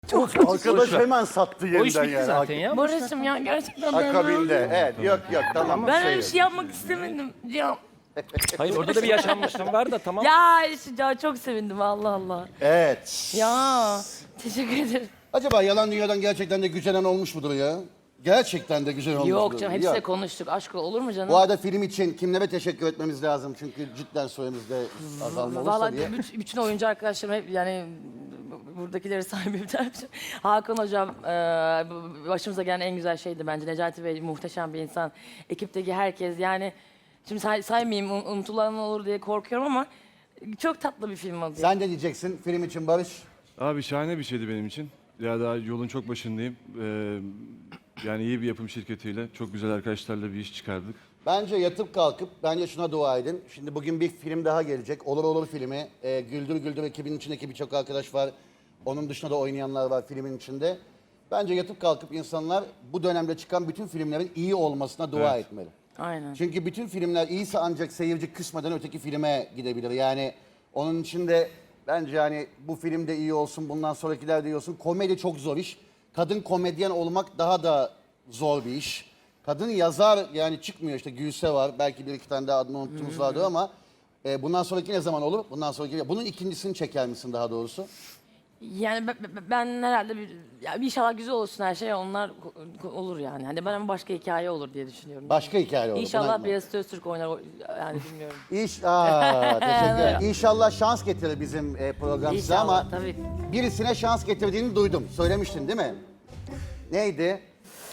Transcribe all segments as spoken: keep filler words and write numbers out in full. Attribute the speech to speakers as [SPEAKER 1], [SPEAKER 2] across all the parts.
[SPEAKER 1] Çok
[SPEAKER 2] Arkadaş hemen sattı
[SPEAKER 1] O iş
[SPEAKER 2] yeniden
[SPEAKER 1] bitti
[SPEAKER 2] yani.
[SPEAKER 1] zaten ya.
[SPEAKER 3] Barış'ım ya gerçekten ben
[SPEAKER 2] Akabinde. Evet yok yok tamam.
[SPEAKER 3] Ben
[SPEAKER 2] şey
[SPEAKER 3] öyle bir
[SPEAKER 2] yok.
[SPEAKER 3] şey yapmak istemedim. Ya,
[SPEAKER 1] Hayır orada da bir yaşanmışlığım var da tamam.
[SPEAKER 3] ya, ya çok sevindim Allah Allah.
[SPEAKER 2] Evet.
[SPEAKER 3] Ya teşekkür ederim.
[SPEAKER 2] Acaba yalan dünyadan gerçekten de güzelen olmuş mudur ya? Gerçekten de güzel olmuş
[SPEAKER 3] Yok
[SPEAKER 2] mudur?
[SPEAKER 3] canım hepsiyle
[SPEAKER 2] Yok.
[SPEAKER 3] konuştuk. Aşk olur mu canım?
[SPEAKER 2] Bu arada film için kimlere teşekkür etmemiz lazım? Çünkü cidden soyumuzda azalma olursa
[SPEAKER 3] Vallahi
[SPEAKER 2] diye.
[SPEAKER 3] bütün, bütün oyuncu arkadaşlarım hep yani buradakileri sahibim dermiş. Hakan hocam e, başımıza gelen en güzel şeydi bence. Necati Bey muhteşem bir insan. Ekipteki herkes yani şimdi say, saymayayım un- unutulan olur diye korkuyorum ama çok tatlı bir film oldu.
[SPEAKER 2] Sen de diyeceksin film için Barış.
[SPEAKER 4] Abi şahane bir şeydi benim için. Ya daha yolun çok başındayım. Ee, yani iyi bir yapım şirketiyle, çok güzel arkadaşlarla bir iş çıkardık.
[SPEAKER 2] Bence yatıp kalkıp bence şuna dua edin. Şimdi bugün bir film daha gelecek. Olur Olur filmi. Ee, Güldür Güldür ekibinin içindeki birçok arkadaş var. Onun dışında da oynayanlar var filmin içinde. Bence yatıp kalkıp insanlar bu dönemde çıkan bütün filmlerin iyi olmasına dua
[SPEAKER 4] Evet.
[SPEAKER 2] etmeli.
[SPEAKER 3] Aynen.
[SPEAKER 2] Çünkü bütün filmler iyiyse ancak seyirci kısmadan öteki filme gidebilir. Yani onun için de bence yani bu film de iyi olsun, bundan sonrakiler de iyi olsun. Komedi çok zor iş. Kadın komedyen olmak daha da zor bir iş. Kadın yazar yani çıkmıyor işte Gülse var. Belki bir iki tane daha adını unuttuğumuz vardı ama e, bundan sonraki ne zaman olur? Bundan sonraki bunun ikincisini çeker misin daha doğrusu?
[SPEAKER 3] Yani ben, ben- ben herhalde bir, ya inşallah güzel olsun her şey onlar ko- ko- olur yani. Hani ben ama başka hikaye olur diye düşünüyorum.
[SPEAKER 2] Başka hikaye olur.
[SPEAKER 3] İnşallah
[SPEAKER 2] buna-
[SPEAKER 3] Beyazıt Öztürk oynar o- yani bilmiyorum.
[SPEAKER 2] İş, aa, teşekkür ederim. İnşallah şans getirir bizim e, program size
[SPEAKER 3] İnşallah,
[SPEAKER 2] ama
[SPEAKER 3] tabii.
[SPEAKER 2] birisine şans getirdiğini duydum. Söylemiştin değil mi? Neydi?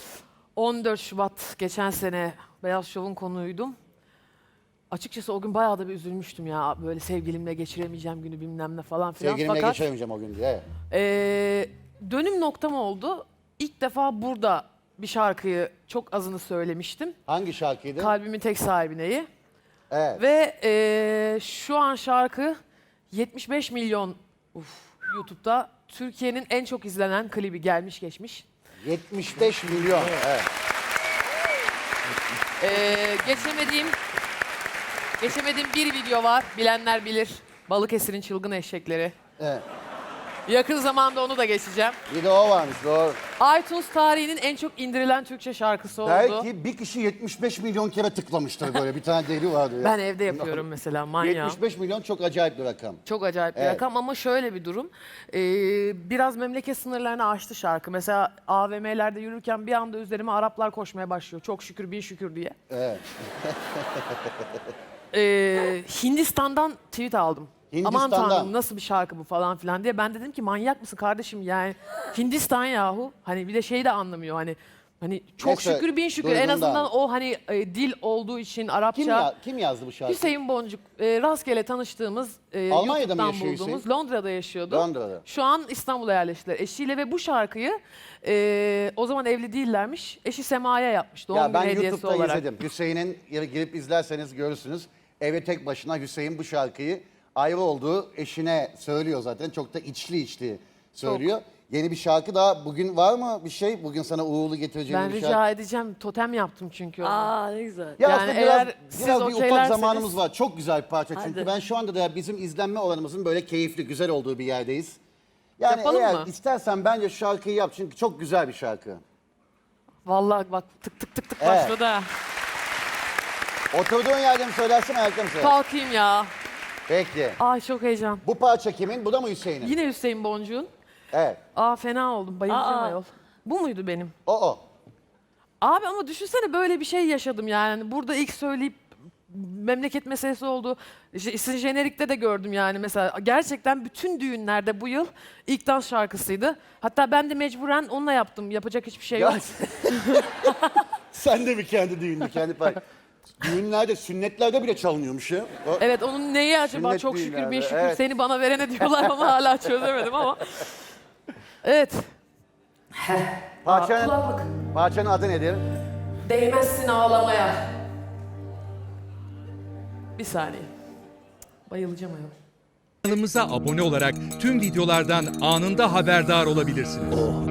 [SPEAKER 5] on dört Şubat geçen sene Beyaz Şov'un konuğuydum. Açıkçası o gün bayağı da bir üzülmüştüm ya. Böyle sevgilimle geçiremeyeceğim günü bilmem ne falan filan.
[SPEAKER 2] Sevgilimle
[SPEAKER 5] Fakat
[SPEAKER 2] geçiremeyeceğim o gün diye.
[SPEAKER 5] eee, dönüm noktam oldu. İlk defa burada bir şarkıyı çok azını söylemiştim.
[SPEAKER 2] Hangi şarkıydı?
[SPEAKER 5] Kalbimin tek sahibineyi.
[SPEAKER 2] Evet.
[SPEAKER 5] Ve eee, şu an şarkı yetmiş beş milyon uf, YouTube'da Türkiye'nin en çok izlenen klibi gelmiş geçmiş.
[SPEAKER 2] yetmiş beş milyon. Evet.
[SPEAKER 5] Ee, geçemediğim geçemediğim bir video var. Bilenler bilir. Balıkesir'in çılgın eşekleri.
[SPEAKER 2] Evet.
[SPEAKER 5] Yakın zamanda onu da geçeceğim.
[SPEAKER 2] Bir de o varmış doğru.
[SPEAKER 5] iTunes tarihinin en çok indirilen Türkçe şarkısı oldu.
[SPEAKER 2] Belki bir kişi yetmiş beş milyon kere tıklamıştır böyle. Bir tane deli vardı ya.
[SPEAKER 5] Ben evde yapıyorum mesela manyağım.
[SPEAKER 2] yetmiş beş milyon çok acayip bir rakam.
[SPEAKER 5] Çok acayip bir
[SPEAKER 2] Evet.
[SPEAKER 5] rakam ama şöyle bir durum. Ee, biraz memleket sınırlarını aştı şarkı. Mesela A V M'lerde yürürken bir anda üzerime Araplar koşmaya başlıyor. Çok şükür bin şükür diye.
[SPEAKER 2] Evet.
[SPEAKER 5] Ee, Hindistan'dan tweet aldım. Aman
[SPEAKER 2] Hindistan'dan.
[SPEAKER 5] tanrım nasıl bir şarkı bu falan filan diye. Ben dedim ki manyak mısın kardeşim yani Hindistan yahu. Hani bir de şey de anlamıyor hani hani çok
[SPEAKER 2] Neyse,
[SPEAKER 5] şükür bin şükür en
[SPEAKER 2] duyduğundan.
[SPEAKER 5] azından o hani e, dil olduğu için Arapça.
[SPEAKER 2] Kim, ya, kim yazdı bu şarkıyı?
[SPEAKER 5] Hüseyin Boncuk e, rastgele tanıştığımız e,
[SPEAKER 2] Almanya'da mı
[SPEAKER 5] YouTube'dan
[SPEAKER 2] yaşıyor
[SPEAKER 5] bulduğumuz
[SPEAKER 2] Hüseyin?
[SPEAKER 5] Londra'da yaşıyordu.
[SPEAKER 2] Londra'da.
[SPEAKER 5] Şu an İstanbul'a yerleştiler eşiyle ve bu şarkıyı e, o zaman evli değillermiş. Eşi Sema'ya yapmış doğum
[SPEAKER 2] Ya
[SPEAKER 5] günü
[SPEAKER 2] ben
[SPEAKER 5] hediyesi
[SPEAKER 2] YouTube'da
[SPEAKER 5] olarak.
[SPEAKER 2] izledim. Hüseyin'in yeri girip izlerseniz görürsünüz. Eve tek başına Hüseyin bu şarkıyı ayrı olduğu eşine söylüyor zaten. Çok da içli içli söylüyor. Yeni bir şarkı daha bugün var mı bir şey? Bugün sana uğurlu getireceğim
[SPEAKER 5] Ben
[SPEAKER 2] bir
[SPEAKER 5] rica
[SPEAKER 2] şarkı.
[SPEAKER 5] edeceğim totem yaptım çünkü onu.
[SPEAKER 3] Aa ne güzel.
[SPEAKER 2] Ya
[SPEAKER 5] Yani
[SPEAKER 2] aslında biraz,
[SPEAKER 5] eğer siz
[SPEAKER 2] biraz bir ufak
[SPEAKER 5] okeylerseniz-
[SPEAKER 2] zamanımız var. Çok güzel bir parça çünkü
[SPEAKER 3] Hadi.
[SPEAKER 2] ben şu anda da bizim izlenme oranımızın böyle keyifli, güzel olduğu bir yerdeyiz. Yani
[SPEAKER 5] Yapalım
[SPEAKER 2] eğer
[SPEAKER 5] mı?
[SPEAKER 2] istersen bence şu şarkıyı yap çünkü çok güzel bir şarkı.
[SPEAKER 5] Vallahi bak tık tık tık tık
[SPEAKER 2] Evet.
[SPEAKER 5] başladı ha.
[SPEAKER 2] Oturduğun yerde mi söylersin ayakta mı söylersin?
[SPEAKER 5] Kalkayım ya.
[SPEAKER 2] Peki.
[SPEAKER 5] Ay çok heyecan.
[SPEAKER 2] Bu parça kimin? Bu da mı Hüseyin'in?
[SPEAKER 5] Yine Hüseyin Boncuğun.
[SPEAKER 2] Evet.
[SPEAKER 5] Aa fena oldum bayılacağım
[SPEAKER 3] Aa.
[SPEAKER 5] ayol. Bu muydu benim?
[SPEAKER 2] O o.
[SPEAKER 5] Abi ama düşünsene böyle bir şey yaşadım yani. Burada ilk söyleyip memleket meselesi oldu. İşte sizin jenerikte de gördüm yani mesela. Gerçekten bütün düğünlerde bu yıl ilk dans şarkısıydı. Hatta ben de mecburen onunla yaptım. Yapacak hiçbir şey yok.
[SPEAKER 2] Ya, sen de bir kendi düğününü, kendi parça. Düğünlerde, sünnetlerde bile çalınıyormuş ya. O-
[SPEAKER 5] Evet onun neyi acaba
[SPEAKER 2] Sünnet
[SPEAKER 5] çok şükür bin
[SPEAKER 2] düğünlerde,
[SPEAKER 5] şükür
[SPEAKER 2] evet.
[SPEAKER 5] seni bana verene diyorlar ama hala çözemedim ama. Evet.
[SPEAKER 2] Parçanın,
[SPEAKER 5] Kulaklık.
[SPEAKER 2] parçanın adı nedir?
[SPEAKER 5] Değmezsin ağlamaya. Bir saniye. Bayılacağım ayol.
[SPEAKER 6] Kanalımıza abone olarak tüm videolardan anında haberdar olabilirsiniz.